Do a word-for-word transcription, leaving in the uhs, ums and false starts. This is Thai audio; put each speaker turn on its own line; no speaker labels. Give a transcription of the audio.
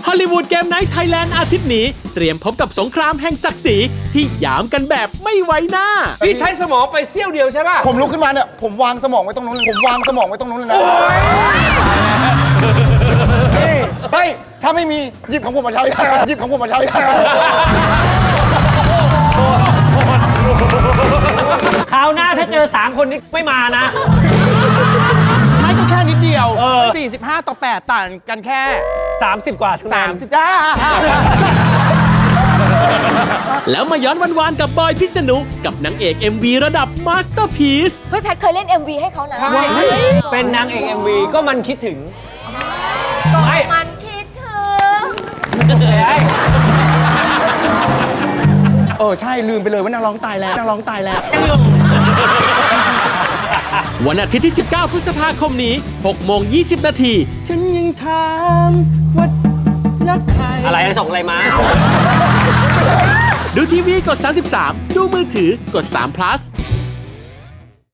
อลลีวูดเกมไนท์ไทยแลนด์อาทิตย์นี้เตรียมพบกับสงครามแห่งศักดิ์ศรีที่หยามกันแบบไม่ไว้หน้า
พี่ใช้สมองไปเสี้ยวเดียวใช่ป่ะ
ผมลุกขึ้นมาเนี่ยผมวางสมองไว้ตรงนู้นผมวางสมองไว้ตรงนู้นเลยนะเฮ้ยถ้าไม่มีหยิบของผมมาใช้หยิบของผมมาใช้
คราวหน้าถ้าเจอสามคนนี้ไม่มานะ
ไม่ก็แค่นิดเดียว สี่สิบห้า ต่อ แปด ต่างกันแค่
สามสิบ กว่าคะแนน
สามสิบ จ้า
แล้วมาย้อนวันๆกับบอยพิษณุกับนางเอก เอ็ม วี ระดับมาสเตอร์พีซ
เฮ้ยแพทเคยเล่น เอ็ม วี ให้เขานะ
ใช่ เป็นนางเอก เอ็ม วี ก็มันคิดถึง ไม่
มันคิดถึง
เออ ใช่ ลืมไปเลยว่านางร้องตายแล้วนางร้องตายแล้ว
วันอาทิตย์ที่ สิบเก้า พฤษภาคมนี้ หกโมงยี่สิบ นาที
ฉันยังถามว่ารักใคร
อะไรส่งอะไรมา
ดูทีวีกด สามสิบสาม ดูมือถือกด สาม พลัส